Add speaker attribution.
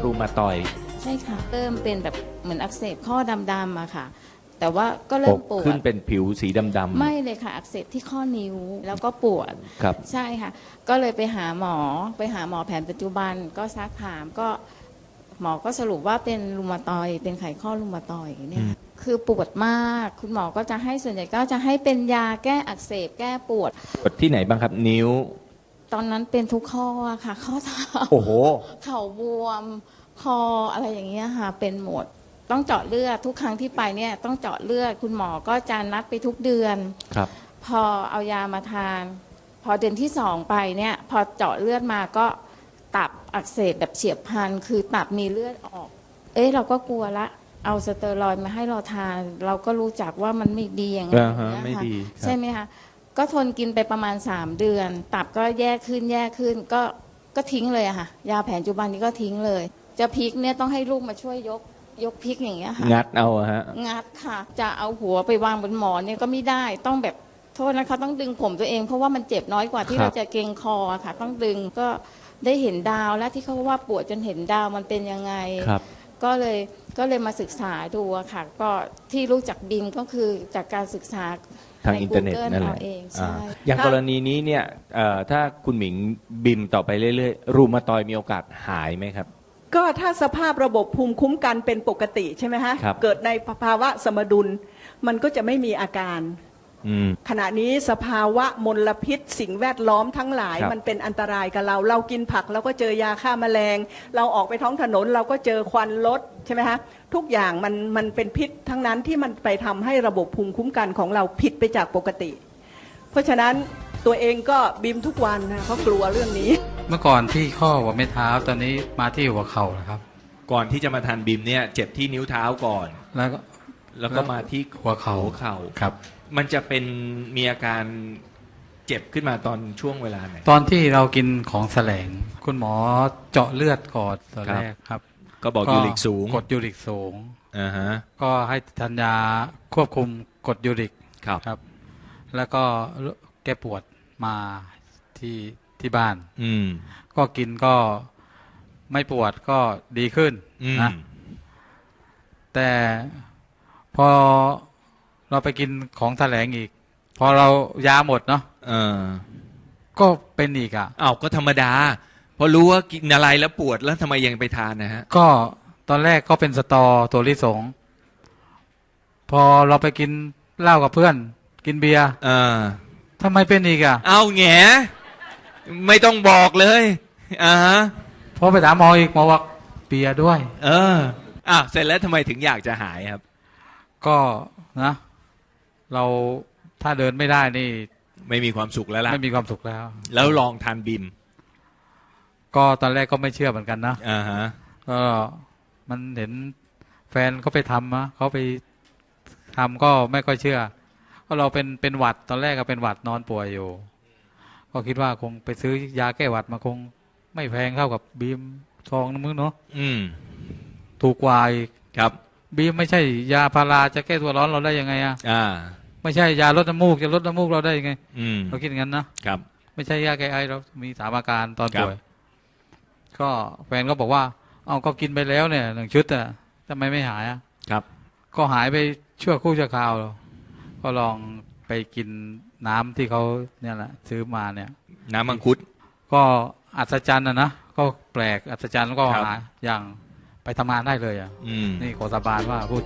Speaker 1: รูมาตอยด์
Speaker 2: ใช่ค่ะเริ่มเป็นแบบเหมือนอักเสบข้อดำๆอะค่ะแต่ว่าก็เริ่มปวด
Speaker 1: ขึ้นเป็นผิวสีดำๆ
Speaker 2: ไม่เลยค่ะอักเสบที่ข้อนิ้วแล้วก็ปวด
Speaker 1: ครับ
Speaker 2: ใช่ค่ะก็เลยไปหาหมอแผนปัจจุบันก็ซักถามก็หมอก็สรุปว่าเป็นรูมาตอยด์เป็นไขข้อรูมาตอยด์เนี่ยคือปวดมากคุณหมอก็จะให้ส่วนใหญ่ก็จะให้เป็นยาแก้อักเสบแก้ปวด
Speaker 1: ที่ไหนบ้างครับนิ้ว
Speaker 2: ตอนนั้นเป็นทุกข้อค่ะข้อเท้า
Speaker 1: โอ้โห
Speaker 2: เข่าบวมคออะไรอย่างเงี้ยค่ะเป็นหมดต้องเจาะเลือดทุกครั้งที่ไปเนี่ยต้องเจาะเลือดคุณหมอก็จะนัดไปทุกเดือน
Speaker 1: ครับ
Speaker 2: พอเอายามาทานพอเดือนที่2ไปเนี่ยพอเจาะเลือดมาก็ตับอักเสบแบบเฉียบพลันคือตับมีเลือดออกเราก็กลัวละเอาสเตอรอยด์มาให้เราทานเราก็รู้จักว่ามันไม่ดีอย่างนี้
Speaker 1: ไม่ดี
Speaker 2: ใช่ไหมคะก็ทนกินไปประมาณ3เดือนตับก็แย่ขึ้นก็ทิ้งเลยอะค่ะยาแผนปัจจุบันนี้ก็ทิ้งเลยจะพลิกเนี่ยต้องให้ลูกมาช่วยยกพลิกอย่างเงี้ยค่ะ
Speaker 1: งัดเอาฮะ
Speaker 2: งัดค่ะจะเอาหัวไปวางบนหมอนเนี่ยก็ไม่ได้ต้องแบบโทษนะคะต้องดึงผมตัวเองเพราะว่ามันเจ็บน้อยกว่าที่เราจะเกร็งคอค่ะต้องดึงก็ได้เห็นดาวและที่เขาว่าปวดจนเห็นดาวมันเป็นยังไงก็เลยมาศึกษาดูค่ะก็ที่รู้จักบิมก็คือจากการศึกษา
Speaker 1: ทางอินเทอร์เน็ตนั่นแหละอย่างกรณีนี้เนี่ยถ้าคุณหมิงบิมต่อไปเรื่อยๆรูมาตอยด์มีโอกาสหายไหมครับ
Speaker 3: ก็ถ้าสภาพระบบภูมิคุ้มกันเป็นปกติใช่ไหมฮะเกิดในภาวะสมดุลมันก็จะไม่มีอาการขณะนี้สภาวะมลพิษสิ่งแวดล้อมทั้งหลายมันเป็นอันตรายกับเรากินผักเราก็เจอยาฆ่าแมลงเราออกไปท้องถนนเราก็เจอควันรถใช่ไหมฮะทุกอย่างมันเป็นพิษทั้งนั้นที่มันไปทำให้ระบบภูมิคุ้มกันของเราผิดไปจากปกติเพราะฉะนั้นตัวเองก็บิมทุกวันนะเพราะกลัวเรื่องนี้
Speaker 4: เมื่อก่อนที่ข้อหัวไม่เท้าตอนนี้มาที่หัวเข่าแล้วครับ
Speaker 1: ก่อนที่จะมาทานบิมเนี่ยเจ็บที่นิ้วเท้าก่อนแล้วก็มาที่
Speaker 4: หัวเข่าครับ
Speaker 1: มันจะเป็นมีอาการเจ็บขึ้นมาตอนช่วงเวลาไหน
Speaker 4: ตอนที่เรากินของแสลงคุณหมอเจาะเลือดก่อนตอนแรกครับ
Speaker 1: ก็บอกยูริกสูง
Speaker 4: กดยูริกสูงก็ให้ทานยาควบคุมกดยูริกครับแล้วก็แก้ปวดมาที่บ้านก็กินก็ไม่ปวดก็ดีขึ้นนะแต่พอเราไปกินของแสลงอีกพอเรายาหมดเนาะก็เป็นอีก
Speaker 1: ก็ธรรมดาพอรู้ว่ากินอะไรแล้วปวดแล้วทำไมยังไปทานนะฮะ
Speaker 4: ก็ตอนแรกก็เป็นสตอตัวลิสงพอเราไปกินเหล้ากับเพื่อนกินเบียร์ทำไมเป็นอีก
Speaker 1: เอาแง่ไม่ต้องบอกเลย
Speaker 4: พอไปถามหมออีกหมอบอกเบียร์ด้วย
Speaker 1: เสร็จแล้วทำไมถึงอยากจะหายครับ
Speaker 4: ก็นะเราถ้าเดินไม่ได้นี่
Speaker 1: ไม่มีความสุขแล้วล่ะ
Speaker 4: ไม่มีความสุข
Speaker 1: แล้วลองทานบิม
Speaker 4: ก็ตอนแรกก็ไม่เชื่อเหมือนกันนะก็มันเห็นแฟนเขาไปทำเขาไปทำก็ไม่ค่อยเชื่อก็เราเป็นหวัดตอนแรกก็เป็นหวัดนอนป่วยอยู่ก็คิดว่าคงไปซื้อยาแก้หวัดมาคงไม่แพงเท่ากับบีมซองนึงเนาะถูกกว่าอีก
Speaker 1: ครับ
Speaker 4: บีมไม่ใช่ยาพาราจะแก้ตัวร้อนเราได้ยังไงไม่ใช่ยาลดน้ำมูกจะลดน้ำมูกเราได้ยังไงเราคิดอย่างนั้นนะครับไม่ใช่ยาแก้ไอเรามี3อาการตอนป่วยก็แฟนก็บอกว่าก็กินไปแล้วเนี่ย1 ชุดทำไมไม่หาย
Speaker 1: ครับ
Speaker 4: ก็หายไปชั่วครู่ชั่วคราวก็ลองไปกินน้ำที่เขาเนี่ยแหละซื้อมาเนี่ย
Speaker 1: น้ำมังคุด
Speaker 4: ก็อัศจรรย์นะก็แปลกอัศจรรย์แล้วก็หาอย่างไปทำงานได้เลยนี่ขอสาบานว่าพูด